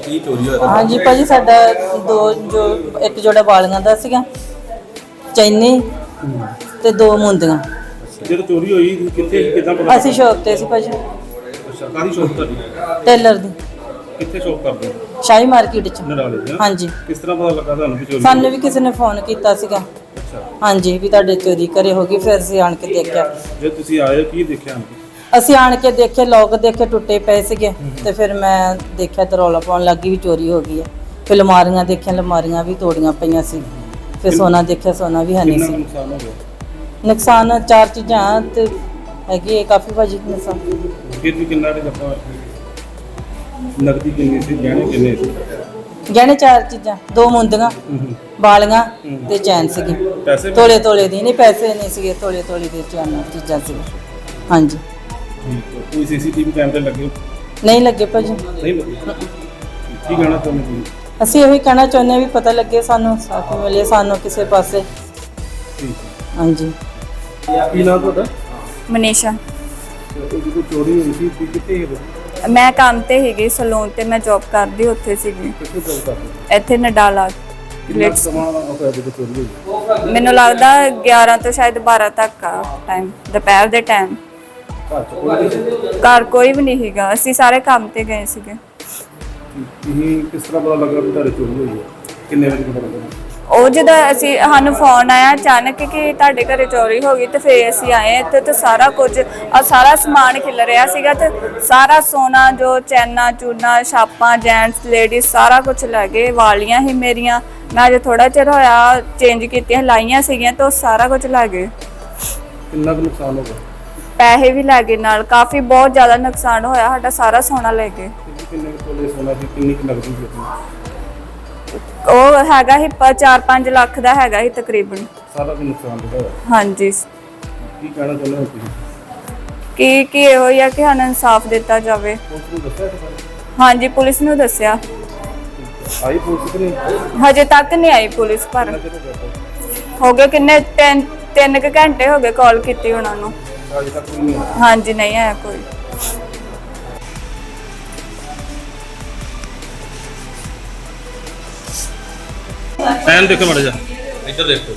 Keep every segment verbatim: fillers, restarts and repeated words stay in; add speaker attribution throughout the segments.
Speaker 1: ਕੀ ਚੋਰੀ ਹੋਇਆ?
Speaker 2: हाँ जी भाजी साडा दो जो एक जोड़ा वालियां दा सीगा चैनी ते दो मुंदियां।
Speaker 1: ਜਦੋਂ ਚੋਰੀ ਹੋਈ ਕਿੱਥੇ ਕਿਦਾਂ ਪਤਾ?
Speaker 2: ਅਸੀਂ ਸ਼ੌਪ ਤੇ ਸੀ ਭਾਜੀ।
Speaker 1: ਅੱਛਾ, ਕਾਹਦੀ ਸ਼ੌਪ ਤੁਹਾਡੀ?
Speaker 2: ਟੇਲਰ ਦੀ।
Speaker 1: ਕਿੱਥੇ ਸ਼ੌਪ ਕਰਦੇ ਹੋ?
Speaker 2: ਸ਼ਾਹੀ ਮਾਰਕੀਟ ਚ।
Speaker 1: ਨਡਾਲੇ ਦੀ?
Speaker 2: ਹਾਂਜੀ।
Speaker 1: ਕਿਸ ਤਰ੍ਹਾਂ ਪਤਾ ਲੱਗਾ ਤੁਹਾਨੂੰ ਵੀ ਚੋਰੀ?
Speaker 2: ਸਾਨੂੰ ਵੀ ਕਿਸੇ ਨੇ ਫੋਨ ਕੀਤਾ ਸੀਗਾ।
Speaker 1: ਅੱਛਾ।
Speaker 2: ਹਾਂਜੀ ਵੀ ਤੁਹਾਡੇ ਚੋਰੀ ਘਰੇ ਹੋ ਗਈ। ਫਿਰ ਅਸੀਂ ਆਣ ਕੇ ਦੇਖਿਆ।
Speaker 1: ਜੇ ਤੁਸੀਂ ਆਏ ਕੀ ਦੇਖਿਆ?
Speaker 2: ਅਸੀਂ ਆਣ ਕੇ ਦੇਖੇ ਲੋਕ ਦੇਖੇ ਟੁੱਟੇ ਪਏ ਸੀਗੇ ਤੇ ਫਿਰ ਮੈਂ ਦੇਖਿਆ ਤੇ ਰੌਲਾ ਪਾਉਣ ਲੱਗੀ ਵੀ ਚੋਰੀ ਹੋ ਗਈ ਹੈ। ਫਿਰ ਅਲਮਾਰੀਆਂ ਦੇਖੀਆਂ, ਅਲਮਾਰੀਆਂ ਵੀ ਤੋੜੀਆਂ ਪਈਆਂ ਸੀ। ਫਿਰ ਸੋਨਾ ਦੇਖਿਆ, ਸੋਨਾ ਵੀ ਹੈ ਨਹੀਂ
Speaker 1: ਕਿੰਨਾ
Speaker 2: ਸੀ।
Speaker 1: ਨੁਕਸਾਨ ਹੋ ਗਿਆ?
Speaker 2: ਨੁਕਸਾਨ ਚਾਰ ਚੀਜ਼ਾਂ ਤੇ ਹੈਗੀ ਹੈ ਕਾਫੀ ਭਾਜੀ ਨੁਕਸਾਨ।
Speaker 1: ਫਿਰ ਵੀ ਕਿੰਨਾ ਕੁ ਆਪਾਂ ਨਕਦੀ ਕਿੰਨੀ ਸੀ, ਗਹਿਣੇ ਕਿੰਨੇ ਸੀ?
Speaker 2: ਗਹਿਣੇ ਚਾਰ ਚੀਜ਼ਾਂ, ਦੋ ਮੁੰਦੀਆਂ, ਵਾਲੀਆਂ ਤੇ ਚੈਨ ਸੀਗੀ।
Speaker 1: ਪੈਸੇ ਵੀ?
Speaker 2: ਤੋਲੇ ਤੋਲੇ ਦੀ ਨਹੀਂ, ਪੈਸੇ ਨਹੀਂ ਸੀਗੇ, ਤੋਲੇ ਤੋਲੇ ਦੇ ਚੈਨ ਚੀਜ਼ਾਂ ਸੀ। ਹਾਂਜੀ।
Speaker 1: ਠੀਕ ਹੈ। ਕੋਈ ਸੀਸੀਟੀਵੀ ਕੈਮਰੇ ਲੱਗੇ?
Speaker 2: ਨਹੀਂ ਲੱਗੇ ਭਾਜੀ।
Speaker 1: ਨਹੀਂ ਲੱਗੇ। ਕੀ ਕਹਿਣਾ ਚਾਹੁੰਦੇ ਤੁਸੀਂ?
Speaker 2: ਅਸੀਂ ਇਹੀ ਕਹਿਣਾ ਚਾਹੁੰਦੇ ਹਾਂ ਵੀ ਪਤਾ ਲੱਗੇ ਸਾਨੂੰ, ਸਾਥ ਮਿਲੇ ਸਾਨੂੰ ਕਿਸੇ ਪਾਸੇ।
Speaker 1: ਠੀਕ ਹੈ।
Speaker 2: ਹਾਂਜੀ।
Speaker 1: ਕੀ ਨਾਮ ਤੁਹਾਡਾ?
Speaker 3: ਮਨੀਸ਼ਾ।
Speaker 1: ਤੇ ਜਦੋਂ ਚੋਰੀ ਹੋਈ ਸੀ ਤੁਸੀਂ ਕਿੱਥੇ ਸੀ?
Speaker 3: ਮੈਂ ਕੰਮ ਤੇ ਸੀਗੀ ਸਲੂਨ ਤੇ, ਮੈਂ ਜੌਬ ਕਰਦੀ ਉੱਥੇ ਸੀਗੀ
Speaker 1: ਕਿੱਥੇ ਜੌਬ ਕਰਦੇ?
Speaker 3: ਇੱਥੇ ਨਡਾਲਾ।
Speaker 1: ਕਿੰਨਾ ਕੁ ਸਮਾਂ ਹੋਇਆ ਜਦੋਂ ਚੋਰੀ ਹੋਈ?
Speaker 3: ਮੈਨੂੰ ਲੱਗਦਾ ਗਿਆਰਾਂ ਤੋਂ ਸ਼ਾਇਦ ਬਾਰਾਂ ਤੱਕ ਆ ਟਾਈਮ, ਦੁਪਹਿਰ ਦੇ ਟਾਈਮ।
Speaker 1: ਘਰ ਚ ਕੋਈ ਨਹੀਂ ਸੀ?
Speaker 3: ਘਰ ਕੋਈ ਵੀ ਨਹੀਂ ਸੀਗਾ, ਅਸੀਂ ਸਾਰੇ ਕੰਮ ਤੇ ਗਏ ਸੀਗੇ।
Speaker 1: ਤੁਸੀਂ ਕਿਸ ਤਰ੍ਹਾਂ ਪਤਾ ਲੱਗਾ ਵੀ ਤੁਹਾਡੀ ਚੋਰੀ ਹੋਈ ਹੈ? ਕਿੰਨੇ ਵਜੇ ਪਤਾ ਲੱਗਾ?
Speaker 3: ਉਹ ਜਦੋਂ ਅਸੀਂ ਸਾਨੂੰ ਫੋਨ ਆਇਆ ਅਚਾਨਕ ਕਿ ਤੁਹਾਡੇ ਘਰੇ ਚੋਰੀ ਹੋ ਗਈ ਤੇ ਫਿਰ ਅਸੀਂ ਆਏ ਇੱਥੇ ਤੇ ਸਾਰਾ ਕੁਝ ਆ ਸਾਰਾ ਸਮਾਨ ਖਿਲ ਰਿਹਾ ਸੀਗਾ ਤੇ ਸਾਰਾ ਸੋਨਾ ਜੋ ਚੈਨਾ ਚੂਨਾ ਛਾਪਾਂ ਜੈਂਟਸ ਲੇਡੀਜ਼ ਸਾਰਾ ਕੁਝ ਲੈ ਗਏ। ਵਾਲੀਆਂ ਹੀ ਮੇਰੀਆਂ ਮੈਂ ਅਜੇ ਥੋੜਾ ਚਿਰ ਹੋਇਆ ਚੇਂਜ ਕੀਤੀਆਂ ਲਾਈਆਂ ਸੀਗੀਆਂ ਤੇ ਉਹ ਸਾਰਾ ਕੁਝ ਲੈ ਗਏ।
Speaker 1: ਕਿੰਨਾ ਕੁ ਨੁਕਸਾਨ ਹੋ ਗਿਆ?
Speaker 3: ਪੈਸੇ ਵੀ ਲੈ ਗਏ ਨਾਲ, ਕਾਫੀ ਬਹੁਤ ਜ਼ਿਆਦਾ ਨੁਕਸਾਨ ਹੋਇਆ ਸਾਡਾ, ਸਾਰਾ ਸੋਨਾ ਲੈ ਗਏ।
Speaker 1: ਕਿੰਨੇ ਕੁ ਤੋਲੇ ਸੋਨਾ ਸੀ, ਕਿੰਨੀ ਕੁ ਨਕਦੀ ਸੀ ਆਪਣੀ?
Speaker 3: ਉਹ ਹੈਗਾ ਸੀ ਚਾਰ ਪੰਜ ਲੱਖ ਦਾ ਹੈਗਾ ਸੀ ਤਕਰੀਬਨ।
Speaker 1: ਸਾਰਾ ਕੁ ਨੁਕਸਾਨ ਹੋਇਆ।
Speaker 3: ਹਾਂਜੀ।
Speaker 1: ਕੀ ਕਹਿਣਾ ਚਾਹੁੰਦੇ ਹੋ ਤੁਸੀਂ?
Speaker 3: ਕੀ ਕੀ ਇਹੋ ਹੀ ਆ ਕਿ ਸਾਨੂੰ ਇਨਸਾਫ ਦਿੱਤਾ ਜਾਵੇ।
Speaker 1: ਪੁਲਿਸ ਨੂੰ ਦੱਸਿਆ ਇਸ ਬਾਰੇ?
Speaker 3: ਹਾਂਜੀ ਪੁਲਿਸ ਨੂੰ ਦੱਸਿਆ।
Speaker 1: ਆਈ ਪੁਲਿਸ ਕਿ ਨਹੀਂ?
Speaker 3: ਹਜੇ ਤੱਕ ਨਹੀਂ ਆਈ ਪੁਲਿਸ, ਪਰ
Speaker 1: ਕਿੰਨਾ ਚਿਰ ਹੋ ਗਿਆ ਤਾਂ?
Speaker 3: ਹੋ ਗਏ ਕਿੰਨੇ ਤਿੰਨ ਤਿੰਨ ਕੁ ਘੰਟੇ ਹੋ ਗਏ ਕਾਲ ਕੀਤੀ ਉਹਨਾਂ ਨੂੰ।
Speaker 1: ਅਜੇ ਤੱਕ ਕੋਈ ਨਹੀਂ ਆਇਆ?
Speaker 3: ਹਾਂਜੀ ਨਹੀਂ ਆਇਆ ਕੋਈ।
Speaker 1: ਟਾਈਮ ਦੇਖੋ ਮੜ ਜਾ, ਇੱਧਰ ਦੇਖੋ।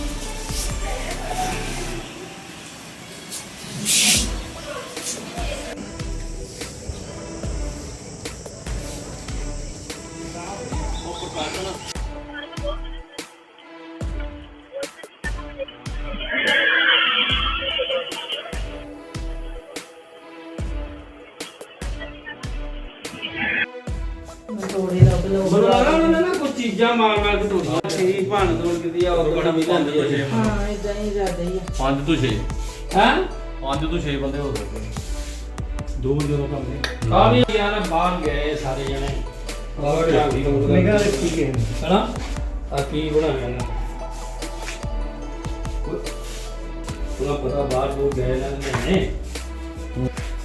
Speaker 2: ਤੋੜੇ ਰੱਬ ਲੋਕ
Speaker 4: ਬੋਲਣਾ ਨਾ ਕੋਈ ਚੀਜ਼ਾਂ ਮਾਰ ਮਾਰ ਕੇ ਤੋੜੀਆਂ ਸੀ ਭੰਨ ਤੋੜ ਕੀਤੀ ਆ ਉਹ ਬੜਾ ਵੀ ਲੈਂਦੀ ਹੈ।
Speaker 2: ਹਾਂ ਇਦਾਂ ਹੀ ਜ਼ਿਆਦਾ ਹੀ ਆ।
Speaker 5: ਪੰਜ ਤੋਂ ਛੇ
Speaker 4: ਹੈ
Speaker 5: ਪੰਜ ਤੋਂ ਛੇ ਬੰਦੇ ਹੋ ਸਕਦੇ।
Speaker 1: ਦੋ ਵਜੇ ਦਾ ਕੰਮ ਨਹੀਂ।
Speaker 4: ਆ ਵੀ ਯਾਰ ਬਾਹਰ ਗਏ ਸਾਰੇ ਜਣੇ ਬਾਹਰ ਜਾ ਕੇ
Speaker 1: ਨਿਗਾਹ ਰੱਖੀ ਗਏ
Speaker 4: ਹਨਾ ਆ ਕੀ ਬਣਾਇਆ ਨਾ ਉਹਨਾਂ ਪਤਾ ਬਾਹਰ ਉਹ ਗਏ ਨਾ ਨੇ